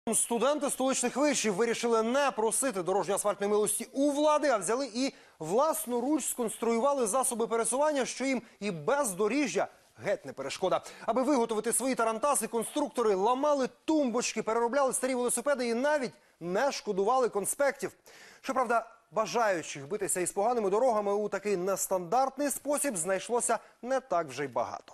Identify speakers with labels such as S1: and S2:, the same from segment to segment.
S1: Студенти столичних вишів вирішили не просити дорожньо-асфальтної милості у влади, а взяли і власноруч сконструювали засоби пересування, що їм і бездоріжжя геть не перешкода. Аби виготовити свої тарантаси, конструктори ламали тумбочки, переробляли старі велосипеди і навіть не шкодували конспектів. Щоправда, бажаючих битися із поганими дорогами у такий нестандартний спосіб знайшлося не так вже й багато.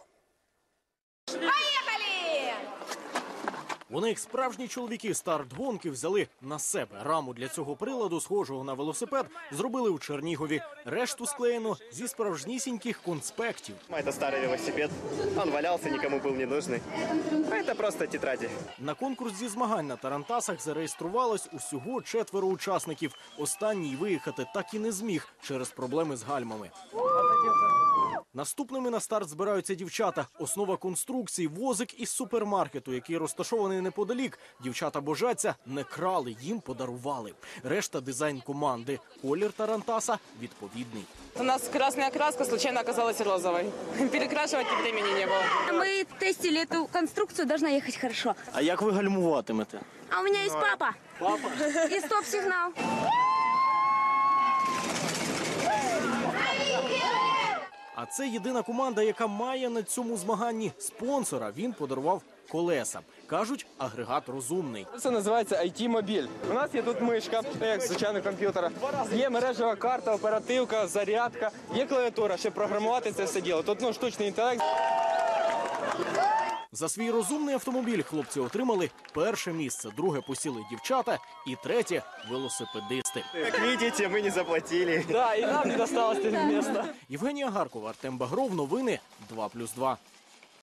S2: Вони, як справжні чоловіки, старт гонки взяли на себе. Раму для цього приладу, схожого на велосипед, зробили у Чернігові. Решту склеєно зі справжнісіньких конспектів.
S3: Це старий велосипед, він валявся, нікому був не нужний. А це просто тетраді.
S2: На конкурс зі змагань на тарантасах зареєструвалось усього 4 учасників. Останній виїхати так і не зміг через проблеми з гальмами. Наступними на старт збираються дівчата. Основа конструкції – возик із супермаркету, який розташований неподалік. Дівчата божаться, не крали, їм подарували. Решта – дизайн команди. Колір тарантаса відповідний.
S4: У нас красная краска случайно оказалась розовой. Перекрашивать времени не было.
S5: Мы тестили эту конструкцию, должна ехать хорошо.
S2: А як ви гальмуватимете?
S5: А у меня есть папа.
S2: Папа?
S5: И стоп-сигнал.
S2: А це єдина команда, яка має на цьому змаганні спонсора. Він подарував колеса. Кажуть, агрегат розумний.
S6: Це називається IT-мобіль. У нас є тут мишка, як звичайно комп'ютера. Є мережева карта, оперативка, зарядка, є клавіатура, щоб програмувати це все діло. Тут штучний інтелект.
S2: За свій розумний автомобіль хлопці отримали перше місце, друге посіли дівчата і третє – велосипедисти.
S3: Як бачите, ми не заплатили.
S6: Да, і нам не досталось місця.
S2: Євгенія Гаркова, Артем Багров, новини 2+2.